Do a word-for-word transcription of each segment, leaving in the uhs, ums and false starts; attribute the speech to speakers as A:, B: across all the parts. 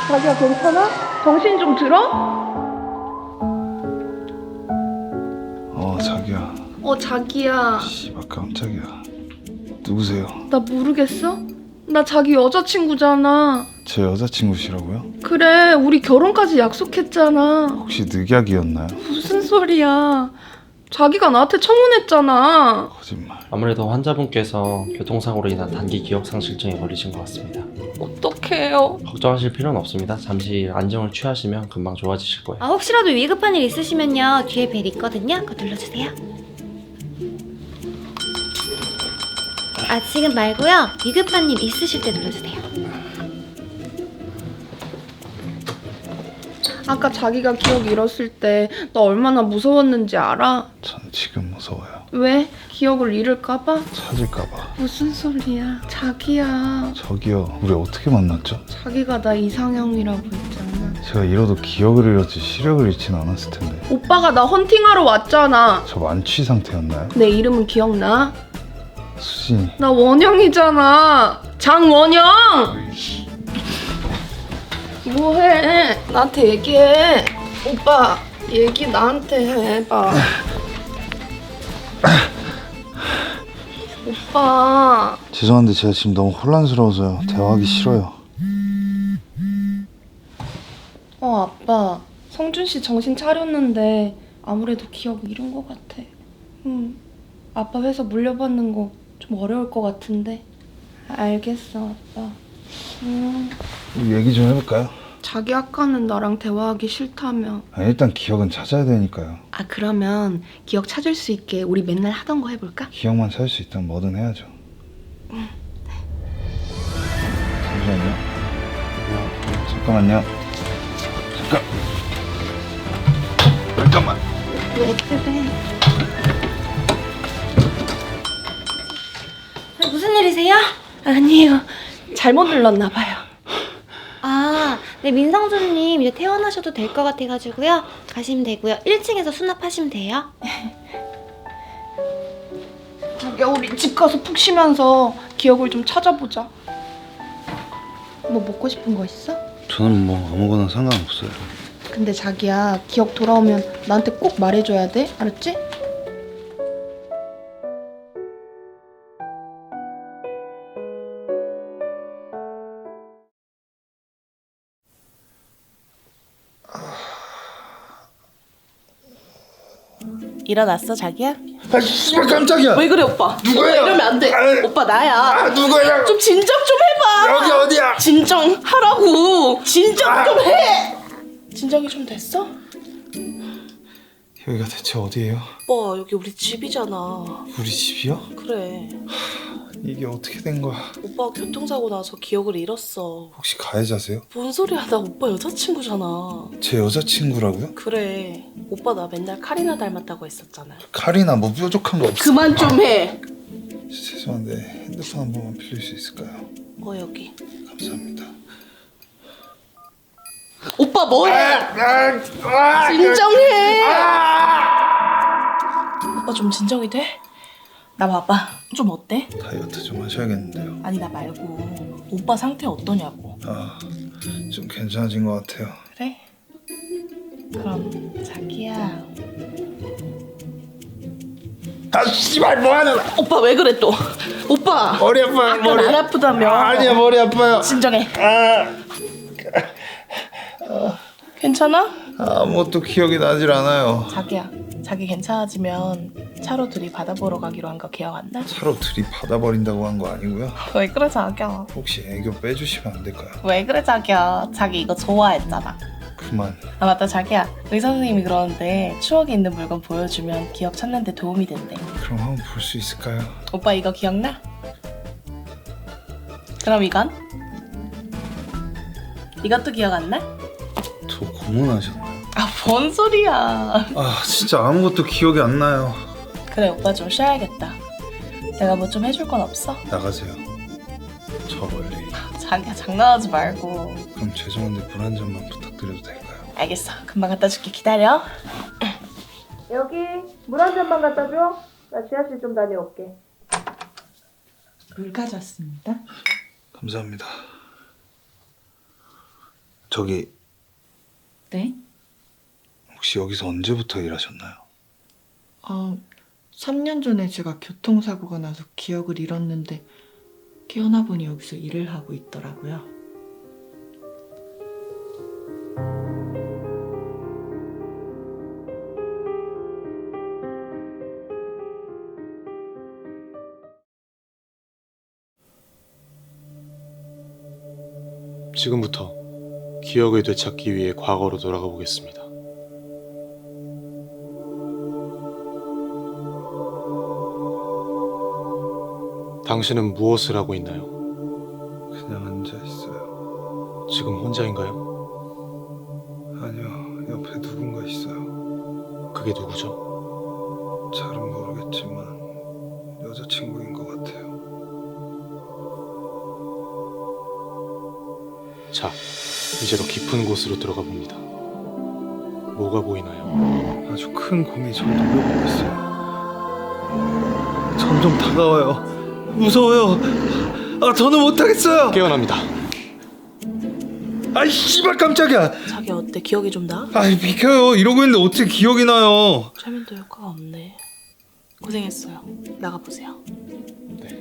A: 자기야 괜찮아? 정신 좀 들어?
B: 어 자기야.
A: 어 자기야.
B: 씨발 깜짝이야. 누구세요?
A: 나 모르겠어? 나 자기 여자친구잖아.
B: 제 여자친구시라고요?
A: 그래 우리 결혼까지 약속했잖아.
B: 혹시 늑약이었나요?
A: 무슨 소리야. 자기가 나한테 청혼했잖아.
B: 거짓말.
C: 아무래도 환자분께서 교통사고로 인한 단기 기억상실증에 걸리신 것 같습니다.
A: 어떡해요.
C: 걱정하실 필요는 없습니다. 잠시 안정을 취하시면 금방 좋아지실 거예요.
D: 아, 혹시라도 위급한 일 있으시면요 뒤에 벨 있거든요. 그거 눌러주세요. 아 지금 말고요 위급한 일 있으실 때 눌러주세요.
A: 아까 자기가 기억 잃었을 때 나 얼마나 무서웠는지 알아?
B: 전 지금 무서워요.
A: 왜? 기억을 잃을까봐?
B: 찾을까봐.
A: 무슨 소리야. 자기야.
B: 저기요. 우리 어떻게 만났죠?
A: 자기가 나 이상형이라고 했잖아.
B: 제가 잃어도 기억을 잃었지 시력을 잃진 않았을 텐데.
A: 오빠가 나 헌팅하러 왔잖아.
B: 저 만취 상태였나요?
A: 내 이름은 기억나?
B: 수진이.
A: 나 원영이잖아. 장원영! 뭐해? 나한테 얘기해. 오빠, 얘기 나한테 해봐. 오빠.
B: 죄송한데 제가 지금 너무 혼란스러워서요. 대화하기 싫어요.
A: 어, 아빠. 성준 씨 정신 차렸는데 아무래도 기억 잃은 것 같아. 응. 아빠 회사 물려받는 거 좀 어려울 것 같은데. 알겠어, 아빠. 음.
B: 우리 얘기 좀 해볼까요?
A: 자기 아까는 나랑 대화하기 싫다며.
B: 아, 일단 기억은 찾아야 되니까요.
A: 아, 그러면 기억 찾을 수 있게 우리 맨날 하던 거 해볼까?
B: 기억만 찾을 수 있다면 뭐든 해야죠. 잠시만요. 잠깐만요. 잠깐. 잠깐만.
A: 왜 그래?
D: 아, 무슨 일이세요?
A: 아니요. 잘못 눌렀나 봐요.
D: 아, 네 민성준님 이제 퇴원하셔도 될 것 같아가지고요 가시면 되고요. 일 층에서 수납하시면 돼요.
A: 자기야, 우리 집 가서 푹 쉬면서 기억을 좀 찾아보자. 뭐 먹고 싶은 거 있어?
B: 저는 뭐 아무거나 상관없어요.
A: 근데 자기야, 기억 돌아오면 나한테 꼭 말해줘야 돼. 알았지?
E: 일어났어 자기야?
B: 아 씨발 깜짝이야.
E: 왜 그래 오빠?
B: 누구야?
E: 오빠 이러면 안 돼.
B: 아이.
E: 오빠 나야.
B: 아 누구야?
E: 좀 진정 좀 해봐.
B: 여기 어디야?
E: 진정하라고. 진정
B: 아.
E: 좀 해. 진정이 좀 됐어?
B: 여기가 대체 어디예요?
E: 오빠 여기 우리 집이잖아.
B: 우리 집이요?
E: 그래.
B: 이게 어떻게 된 거야?
E: 오빠가 교통사고 나서 기억을 잃었어.
B: 혹시 가해자세요?
E: 뭔 소리야? 나 오빠 여자친구잖아.
B: 제 여자친구라고요?
E: 그래. 오빠 나 맨날 카리나 닮았다고 했었잖아.
B: 칼이나 뭐 뾰족한 거 없어?
E: 그만 좀 해.
B: 죄송한데 핸드폰 한 번만 빌릴 수 있을까요?
E: 어 여기.
B: 감사합니다.
E: 오빠 뭐해? 진정해. 오빠 좀 진정이 돼? 나 봐봐. 좀 어때?
B: 다이어트 좀 하셔야겠는데요.
E: 아니 나 말고 오빠 상태 어떠냐고.
B: 아, 좀 괜찮아진 것 같아요.
E: 그래? 그럼 자기야.
B: 아 씨발 뭐하는?
E: 오빠 왜 그래 또? 오빠
B: 머리 아파요.
E: 아까
B: 머리.
E: 안 아프다며.
B: 아, 아니야 머리 아파요.
E: 진정해.
B: 아,
E: 괜찮아?
B: 아무것도 기억이 나질 않아요.
E: 자기야 자기 괜찮아지면 차로 둘이 바다 보러 가기로 한 거 기억 안 나?
B: 차로 들이받아버린다고 한 거 아니고요.
E: 왜 그래 자기야?
B: 혹시 애교 빼주시면 안 될까요?
E: 왜 그래 자기야? 자기 이거 좋아했잖아.
B: 그만.
E: 아 맞다 자기야 의사 선생님이 그러는데 추억이 있는 물건 보여주면 기억 찾는 데 도움이 된대.
B: 그럼 한번 볼 수 있을까요?
E: 오빠 이거 기억나? 그럼 이건? 이것도 기억 안 나?
B: 저 고문하셨나요?
E: 아 뭔 소리야.
B: 아 진짜 아무것도 기억이 안 나요.
E: 그래 오빠 좀 쉬어야겠다. 내가 뭐 좀 해줄 건 없어?
B: 나가세요. 저 멀리.
E: 자기야 장난하지 말고.
B: 그럼 죄송한데 물 한 잔만 부탁드려도 될까요?
E: 알겠어 금방 갖다 줄게 기다려.
A: 여기 물 한 잔만 갖다 줘. 나 지하실 좀 다녀올게.
F: 물 가져왔습니다.
B: 감사합니다. 저기
F: 네?
B: 혹시 여기서 언제부터 일하셨나요?
F: 아, 삼 년 전에 제가 교통사고가 나서 기억을 잃었는데 깨어나 보니 여기서 일을 하고 있더라고요.
G: 지금부터 기억을 되찾기 위해 과거로 돌아가 보겠습니다. 당신은 무엇을 하고 있나요?
B: 그냥 앉아 있어요.
G: 지금 혼자인가요?
B: 아니요, 옆에 누군가 있어요.
G: 그게 누구죠?
B: 잘은 모르겠지만 여자친구인 것 같아요.
G: 자, 이제 더 깊은 곳으로 들어가 봅니다. 뭐가 보이나요?
B: 아주 큰 곰이 절 노려보고 있어요. 점점 다가와요. 무서워요. 아, 더는 못하겠어요.
G: 깨어납니다.
B: 아이 씨발 깜짝이야.
E: 자기 어때? 기억이 좀 나?
B: 아이 비켜요. 이러고 있는데 어떻게 기억이 나요?
E: 최면도 효과가 없네. 고생했어요. 나가보세요.
G: 네.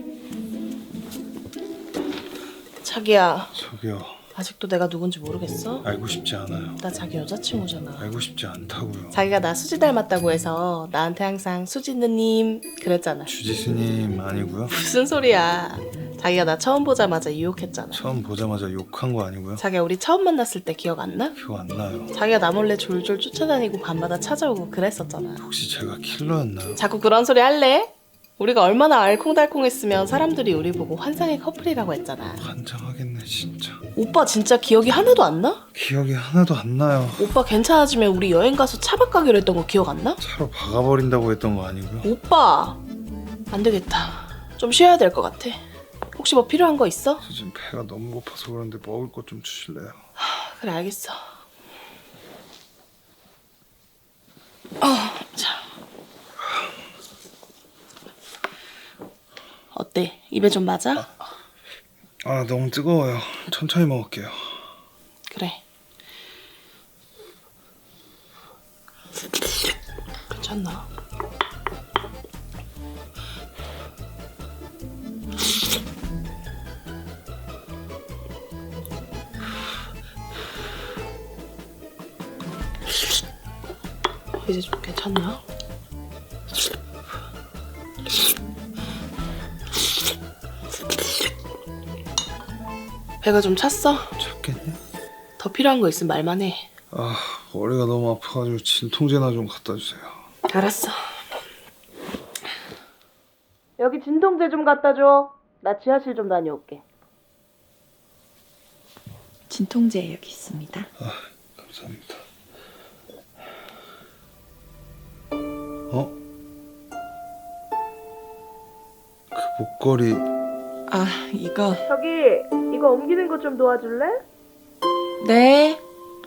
E: 자기야,
B: 저기요.
E: 아직도 내가 누군지 모르겠어?
B: 알고 싶지 않아요.
E: 나 자기 여자친구잖아.
B: 알고 싶지 않다고요.
E: 자기가 나 수지 닮았다고 해서 나한테 항상 수지 누님 그랬잖아.
B: 주지스님 아니고요.
E: 무슨 소리야. 자기가 나 처음 보자마자 유혹했잖아.
B: 처음 보자마자 욕한 거 아니고요.
E: 자기가 우리 처음 만났을 때 기억 안 나?
B: 기억 안 나요.
E: 자기가 나 몰래 졸졸 쫓아다니고 밤마다 찾아오고 그랬었잖아.
B: 혹시 제가 킬러였나요?
E: 자꾸 그런 소리 할래? 우리가 얼마나 알콩달콩했으면 사람들이 우리 보고 환상의 커플이라고 했잖아.
B: 환장하겠네 진짜.
E: 오빠 진짜 기억이 하나도 안 나?
B: 기억이 하나도 안 나요.
E: 오빠 괜찮아지면 우리 여행 가서 차박 가기로 했던 거 기억 안 나?
B: 차로 박아버린다고 했던 거 아니고요.
E: 오빠 안 되겠다. 좀 쉬어야 될 것 같아. 혹시 뭐 필요한 거 있어?
B: 저 지금 배가 너무 고파서 그런데 먹을 것 좀 주실래요?
E: 그래 알겠어. 어, 자. 어때? 입에 좀 맞아?
B: 아 너무 뜨거워요. 천천히 먹을게요.
E: 그래. 괜찮나? 이제 좀 괜찮나? 배가 좀 찼어?
B: 찾겠냐?
E: 더 필요한 거 있으면 말만 해.
B: 아 머리가 너무 아파가지고 진통제나 좀 갖다 주세요.
E: 알았어. 여기 진통제 좀 갖다 줘. 나 지하실 좀 다녀올게.
F: 진통제 여기 있습니다.
B: 아 감사합니다. 어? 그 목걸이
F: 아, 이거.
E: 저기 이거 옮기는 거 좀 도와줄래?
F: 네.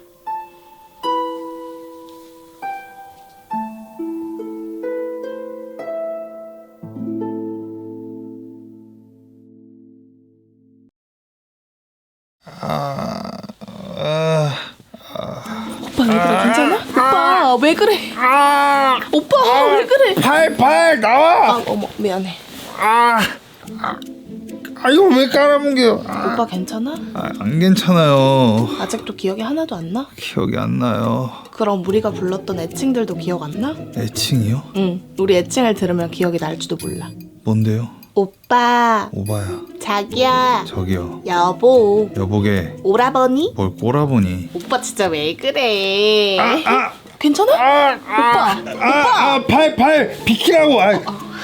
B: 아... 아...
E: 오빠 왜 그래? 괜찮아? 오빠 왜 그래? 오빠 왜 그래?
B: 팔! 팔! 나와!
E: 아 어머 미안해.
B: 아... 아... 아 이거 왜 깔아뭉개요? 아...
E: 오빠 괜찮아?
B: 아, 안 괜찮아요.
E: 아직도 기억이 하나도 안 나?
B: 기억이 안 나요.
E: 그럼 우리가 불렀던 애칭들도 기억 안 나?
B: 애칭이요?
E: 응. 우리 애칭을 들으면 기억이 날지도 몰라.
B: 뭔데요?
E: 오빠,
B: 오바야.
E: 자기야,
B: 저기요.
E: 여보,
B: 여보게
E: 오라버니?
B: 뭘 꼬라보니.
E: 오빠 진짜 왜 그래?
B: 아!
E: 괜찮아?
B: 아!
E: 오빠,
B: 아! 아! 팔! 팔! 비키라고! 아.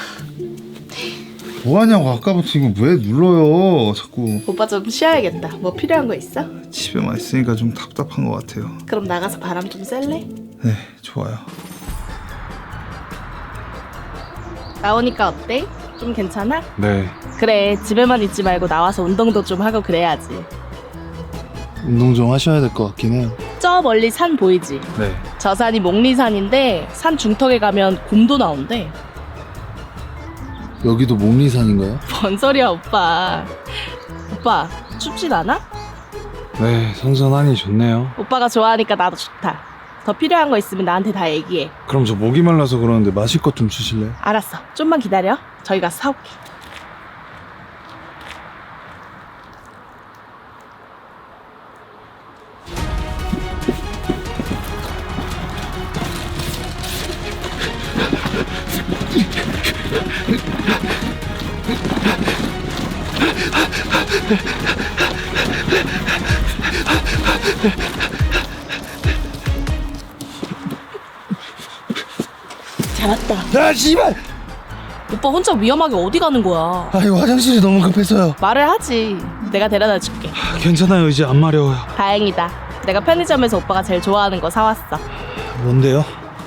B: 뭐하냐고 아까부터 이거 왜 눌러요 자꾸.
E: 오빠 좀 쉬어야겠다. 뭐 필요한 거 있어?
B: 집에만 있으니까 좀 답답한 것 같아요.
E: 그럼 나가서 바람 좀 쐴래?
B: 네 좋아요.
E: 나오니까 어때? 좀 괜찮아?
G: 네.
E: 그래, 집에만 있지 말고 나와서 운동도 좀 하고 그래야지.
G: 운동 좀 하셔야 될 것 같긴 해요.
E: 저 멀리 산 보이지?
G: 네.
E: 저 산이 목리산인데 산 중턱에 가면 곰도 나온대.
G: 여기도 목리산인가요?
E: 뭔 소리야 오빠. 오빠 춥진 않아?
B: 네, 선선하니 좋네요.
E: 오빠가 좋아하니까 나도 좋다. 더 필요한 거 있으면 나한테 다 얘기해.
B: 그럼 저 목이 말라서 그러는데 마실 것 좀 주실래요?
E: 알았어. 좀만 기다려. 저희 가서 사올게. 잘 왔다.
B: 야, 씨발!
E: 오빠 혼자 위험하게 어디 가는 거야?
B: 아, 이거 화장실이 너무 급해서요.
E: 말을 하지. 내가 데려다 줄게.
B: 아, 괜찮아요, 이제 안 마려워요.
E: 다행이다. 내가 편의점에서 오빠가 제일 좋아하는 거 사왔어.
B: 뭔데요?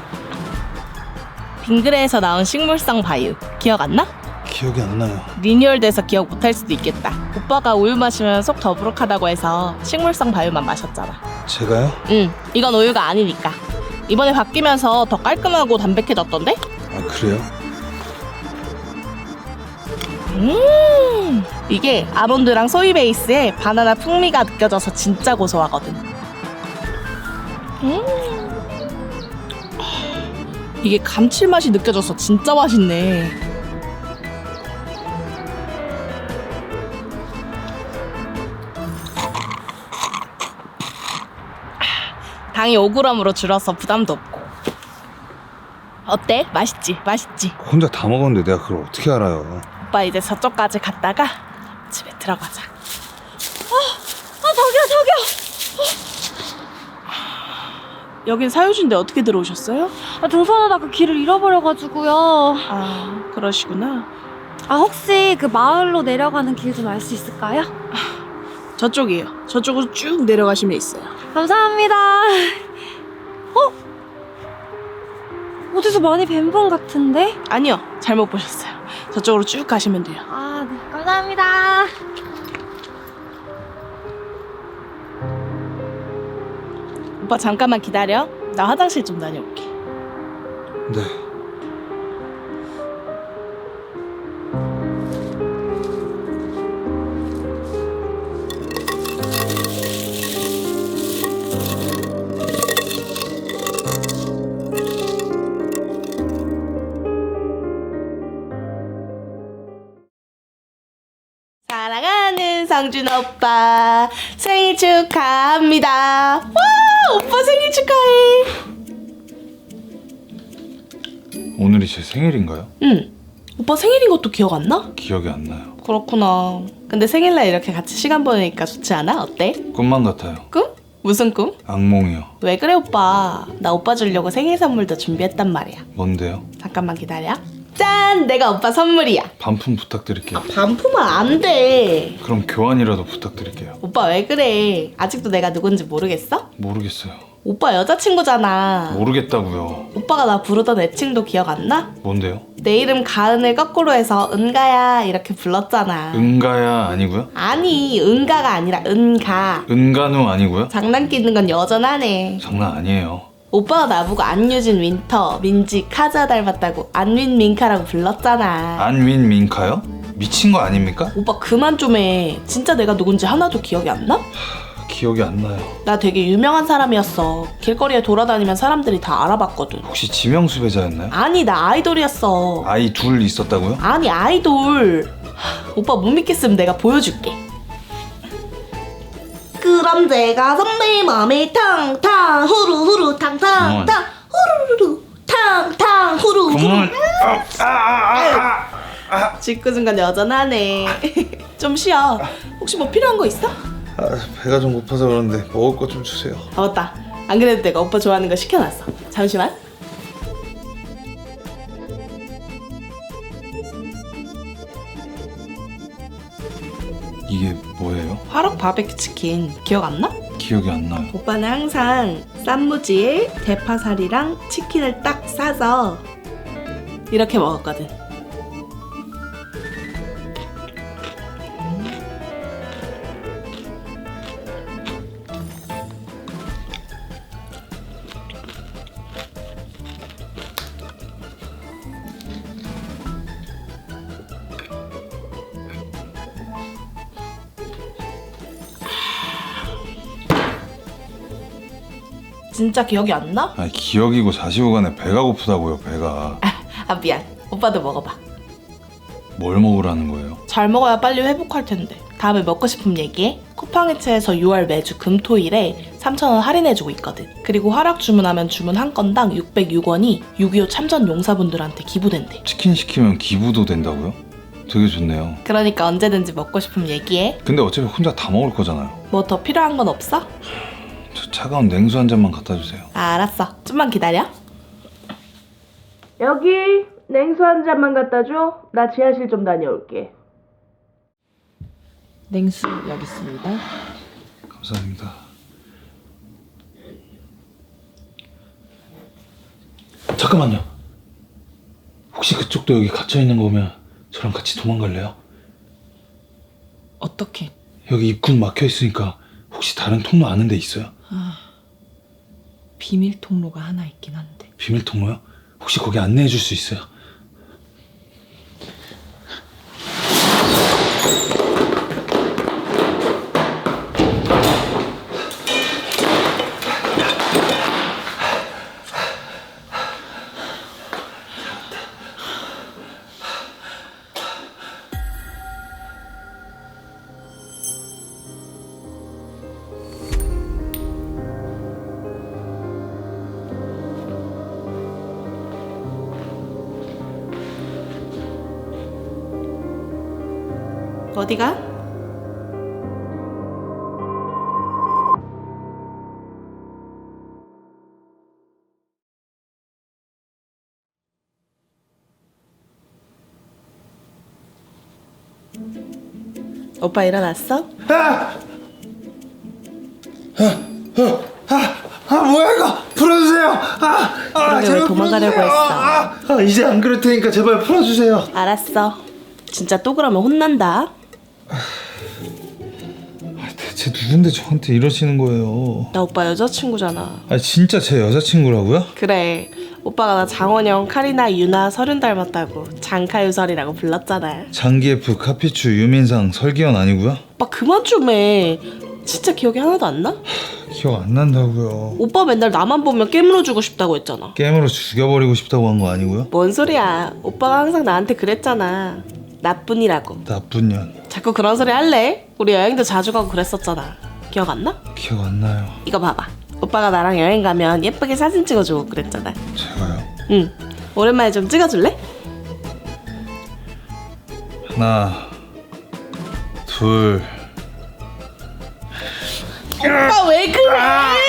E: 빙그레에서 나온 식물성 바유. 기억 안 나?
B: 기억이 안 나요.
E: 리뉴얼돼서 기억 못할 수도 있겠다. 오빠가 우유 마시면 속 더부룩하다고 해서 식물성 바유만 마셨잖아.
B: 제가요?
E: 응, 이건 우유가 아니니까. 이번에 바뀌면서 더 깔끔하고 담백해졌던데?
B: 아, 그래요?
E: 음, 이게 아몬드랑 소이 베이스에 바나나 풍미가 느껴져서 진짜 고소하거든. 음, 이게 감칠맛이 느껴져서 진짜 맛있네. 당이 오 그램으로 줄어서 부담도 없고. 어때? 맛있지? 맛있지?
B: 혼자 다 먹었는데 내가 그걸 어떻게 알아요?
E: 오빠 이제 저쪽까지 갔다가 집에 들어가자.
D: 아 저기요 저기요.
E: 여긴 사유지인데 어떻게 들어오셨어요?
D: 아, 등산하다 그 길을 잃어버려가지고요.
E: 아, 그러시구나.
D: 아 혹시 그 마을로 내려가는 길 좀 알 수 있을까요?
E: 저쪽이에요. 저쪽으로 쭉 내려가시면 있어요.
D: 감사합니다. 어? 어디서 많이 뵌 분 같은데?
E: 아니요, 잘못 보셨어요. 저쪽으로 쭉 가시면 돼요.
D: 아, 네. 감사합니다.
E: 오빠 잠깐만 기다려. 나 화장실 좀 다녀올게.
B: 네.
E: 사랑하는 성준 오빠 생일 축하합니다. 와, 오빠 생일 축하해.
B: 오늘이 제 생일인가요?
E: 응. 오빠 생일인 것도 기억 안 나?
B: 기억이 안 나요.
E: 그렇구나. 근데 생일날 이렇게 같이 시간 보내니까 좋지 않아? 어때?
B: 꿈만 같아요.
E: 꿈? 무슨 꿈?
B: 악몽이요.
E: 왜 그래 오빠? 나 오빠 주려고 생일 선물도 준비했단 말이야.
B: 뭔데요?
E: 잠깐만 기다려. 짠! 내가 오빠 선물이야.
B: 반품 부탁드릴게요.
E: 반품은 안 돼.
B: 그럼 교환이라도 부탁드릴게요.
E: 오빠 왜 그래? 아직도 내가 누군지 모르겠어?
B: 모르겠어요.
E: 오빠 여자친구잖아.
B: 모르겠다고요.
E: 오빠가 나 부르던 애칭도 기억 안 나?
B: 뭔데요?
E: 내 이름 가은을 거꾸로 해서 은가야 이렇게 불렀잖아.
B: 은가야 아니고요?
E: 아니, 은가가 아니라 은가.
B: 은간우 아니고요?
E: 장난끼는 건 여전하네.
B: 장난 아니에요.
E: 오빠가 나보고 안유진 윈터, 민지 카자 닮았다고 안윈 민카라고 불렀잖아.
B: 안윈 민카요? 미친 거 아닙니까?
E: 오빠 그만 좀 해. 진짜 내가 누군지 하나도 기억이 안 나?
B: 기억이 안 나요.
E: 나 되게 유명한 사람이었어. 길거리에 돌아다니면 사람들이 다 알아봤거든.
B: 혹시 지명수 배자였나요?
E: 아니, 나 아이돌이었어.
B: 아이 둘 있었다고요?
E: 아니, 아이돌. 하, 오빠 못 믿겠으면 내가 보여줄게. 그럼 제가 선배 맘에 탕탕 후루후루 탕탕탕 후루루루 탕탕 후루후루.
B: 그만. 아, 아, 아, 아.
E: 짓궂은 여전하네. 좀 쉬어. 혹시 뭐 필요한 거 있어?
B: 아, 배가 좀 고파서 그런데 먹을 것 좀 주세요.
E: 아 맞다. 안 그래도 내가 오빠 좋아하는 거 시켜놨어. 잠시만.
B: 이게 뭐예요?
E: 화록 바베큐 치킨 기억 안 나?
B: 기억이 안 나요.
E: 오빠는 항상 쌈무지에 대파살이랑 치킨을 딱 싸서 이렇게 먹었거든. 진짜 기억이 안 나?
B: 아 기억이고 사시고 간에 배가 고프다고요 배가.
E: 아 미안. 오빠도 먹어봐.
B: 뭘 먹으라는 거예요?
E: 잘 먹어야 빨리 회복할 텐데. 다음에 먹고 싶으면 얘기해. 쿠팡이츠에서 유월 매주 금토일에 삼천 원 할인해주고 있거든. 그리고 화락 주문하면 주문 한 건당 육백육 원이 육이오 참전 용사분들한테 기부된대.
B: 치킨 시키면 기부도 된다고요? 되게 좋네요.
E: 그러니까 언제든지 먹고 싶으면 얘기해.
B: 근데 어차피 혼자 다 먹을 거잖아요.
E: 뭐 더 필요한 건 없어?
B: 저 차가운 냉수 한 잔만 갖다 주세요.
E: 아, 알았어. 좀만 기다려. 여기 냉수 한 잔만 갖다 줘. 나 지하실 좀 다녀올게.
F: 냉수 여기 있습니다.
B: 감사합니다. 잠깐만요. 혹시 그쪽도 여기 갇혀 있는 거면 저랑 같이 도망갈래요?
F: 어떻게?
B: 여기 입구는 막혀 있으니까 혹시 다른 통로 아는 데 있어요?
F: 비밀 통로가 하나 있긴 한데.
B: 비밀 통로요? 혹시 거기 안내해 줄 수 있어요?
E: 어디가? 오빠 일어났어?
B: 아 뭐야 이거 풀어주세요. 아, 아
E: 그러게 왜 도망가려고
B: 풀어주세요.
E: 했어?
B: 아, 아, 이제 안 그럴 테니까 제발 풀어주세요.
E: 알았어. 진짜 또 그러면 혼난다.
B: 아, 대체 누군데 저한테 이러시는 거예요?
E: 나 오빠 여자친구잖아.
B: 아 진짜 제 여자친구라고요?
E: 그래. 오빠가 나 장원영, 카리나, 유나, 설윤 닮았다고 장카유설이라고 불렀잖아.
B: 장기예프, 카피추, 유민상, 설기현 아니고요?
E: 오빠 그만 좀 해. 진짜 기억이 하나도 안 나?
B: 기억 안 난다고요.
E: 오빠 맨날 나만 보면 깨물어주고 싶다고 했잖아.
B: 게임으로 죽여버리고 싶다고 한 거 아니고요?
E: 뭔 소리야. 오빠가 항상 나한테 그랬잖아. 나뿐이라고.
B: 나쁜 년.
E: 자꾸 그런 소리 할래? 우리 여행도 자주 가고 그랬었잖아. 기억 안 나?
B: 기억 안 나요.
E: 이거 봐봐. 오빠가 나랑 여행 가면 예쁘게 사진 찍어주고 그랬잖아.
B: 제가요?
E: 응. 오랜만에 좀 찍어줄래?
B: 하나, 둘.
E: 오빠 왜 그래?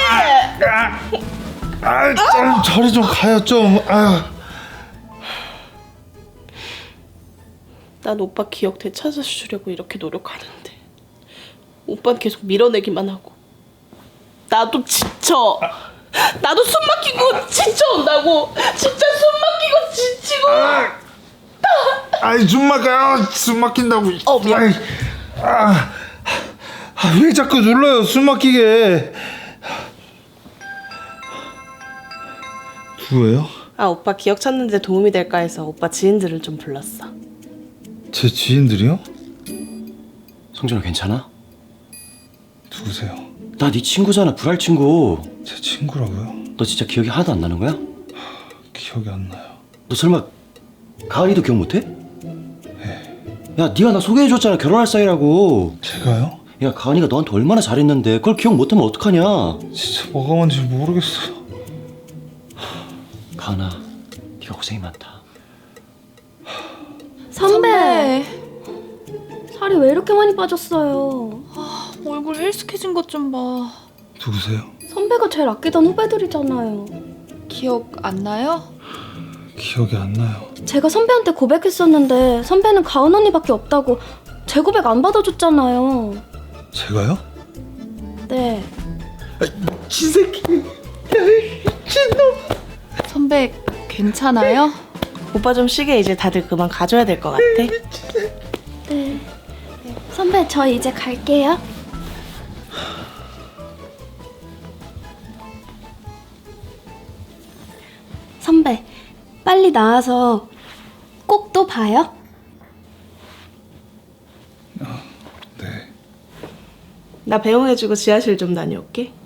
B: 아, 좀 저리 좀 가요 좀. 아유.
E: 난 오빠 기억 되찾아주려고 이렇게 노력하는데 오빠는 계속 밀어내기만 하고 나도 지쳐. 나도 숨 막히고 지쳐온다고. 진짜 숨 막히고 지치고.
B: 아이 숨 막혀요. 숨 막힌다고.
E: 어, 미안.
B: 아이, 아, 아, 왜 자꾸 눌러요 숨 막히게. 누구예요?
E: 아 오빠 기억 찾는 데 도움이 될까 해서 오빠 지인들을 좀 불렀어.
B: 제 지인들이요?
H: 성준아 괜찮아?
B: 누구세요?
H: 나 네 친구잖아. 불알 친구.
B: 제 친구라고요?
H: 너 진짜 기억이 하나도 안 나는 거야?
B: 기억이 안 나요.
H: 너 설마 가을이도 기억 못해?
B: 네.
H: 야 네가 나 소개해줬잖아. 결혼할 사이라고.
B: 제가요?
H: 야 가은이가 너한테 얼마나 잘했는데 그걸 기억 못하면 어떡하냐.
B: 진짜 뭐가 뭔지 모르겠어요.
H: 가은아 네가 고생이 많다.
D: 선배. 살이 왜 이렇게 많이 빠졌어요?
I: 얼굴 헬스케진 것 좀 봐.
B: 누구세요?
D: 선배가 제일 아끼던 후배들이잖아요.
I: 기억 안 나요?
B: 기억이 안 나요.
D: 제가 선배한테 고백했었는데 선배는 가은 언니밖에 없다고 제 고백 안 받아줬잖아요.
B: 제가요?
D: 네.
B: 지새끼.
I: 선배 괜찮아요?
E: 오빠 좀 쉬게. 이제 다들 그만 가줘야 될 것 같아.
D: 네. 선배 저 이제 갈게요. 선배 빨리 나와서 꼭 또 봐요.
B: 네.
E: 나 배웅해주고 지하실 좀 다녀올게.